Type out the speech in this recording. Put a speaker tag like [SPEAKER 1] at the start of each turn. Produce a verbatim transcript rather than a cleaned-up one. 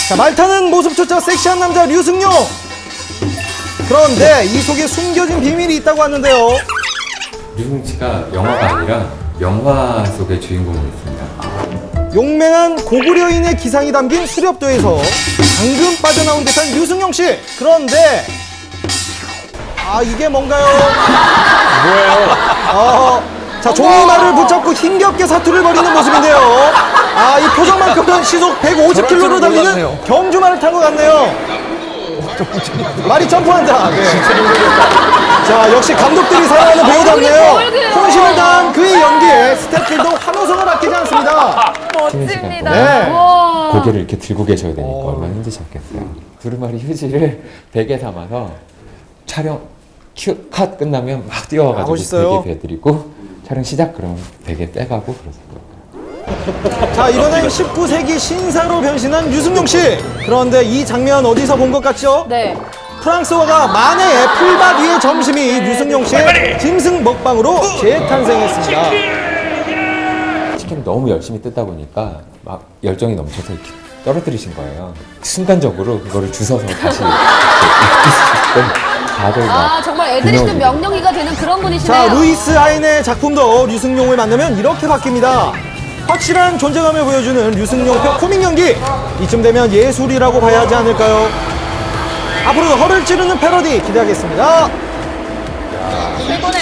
[SPEAKER 1] 자, 말타는 모습조차 섹시한 남자 류승룡. 그런데 이 속에 숨겨진 비밀이 있다고 하는데요.
[SPEAKER 2] 류승룡 씨가 영화가 아니라 영화 속의 주인공이었습니다.
[SPEAKER 1] 용맹한 고구려인의 기상이 담긴 수렵도에서 방금 빠져나온 듯한 류승룡 씨. 그런데 아, 이게 뭔가요?
[SPEAKER 3] 뭐예요?
[SPEAKER 1] 어, 자, 종이말을 붙잡고 힘겹게 사투를 벌이는 모습인데요. 아, 이 표정만큼은 시속 백오십 킬로미터로 달리는
[SPEAKER 3] 몰랐네요.
[SPEAKER 1] 경주말을 탄 것 같네요. 말이 점프한다. 네. 자, 역시 감독들이 사랑하는 배우답네요. 혼신을 다한 그의 연기에 스태프들도 환호성을 아끼지 않습니다.
[SPEAKER 4] 멋집니다.
[SPEAKER 1] 네.
[SPEAKER 4] 와.
[SPEAKER 2] 고개를 이렇게 들고 계셔야 되니까 얼마나 힘드셨겠어요. 두루마리 휴지를 베개 삼아서 촬영 큐, 컷 끝나면 막
[SPEAKER 1] 아,
[SPEAKER 2] 뛰어와가지고
[SPEAKER 1] 멋있어요.
[SPEAKER 2] 베개 베드리고 촬영 시작 그러면 베개 떼가고 그러세요.
[SPEAKER 1] 자, 이번엔 십구 세기 신사로 변신한 류승룡 씨. 그런데 이 장면 어디서 본 것 같죠?
[SPEAKER 4] 네.
[SPEAKER 1] 프랑스어가 만해의 풀밭 위의 점심이 류승룡 씨의 짐승 먹방으로 재탄생했습니다.
[SPEAKER 2] 치킨을 너무 열심히 뜯다 보니까 막 열정이 넘쳐서 이렇게 떨어뜨리신 거예요. 순간적으로 그거를 주워서 다시 다들 막
[SPEAKER 4] 아, 정말 애들이 좀
[SPEAKER 2] 분명히
[SPEAKER 4] 명령이가 되는 그런
[SPEAKER 1] 자,
[SPEAKER 4] 분이시네요.
[SPEAKER 1] 루이스 하인의 작품도 류승룡을 만나면 이렇게 바뀝니다. 확실한 존재감을 보여주는 류승룡표 코믹 연기. 이쯤 되면 예술이라고 봐야 하지 않을까요? 앞으로도 허를 찌르는 패러디 기대하겠습니다.
[SPEAKER 4] 최고네요.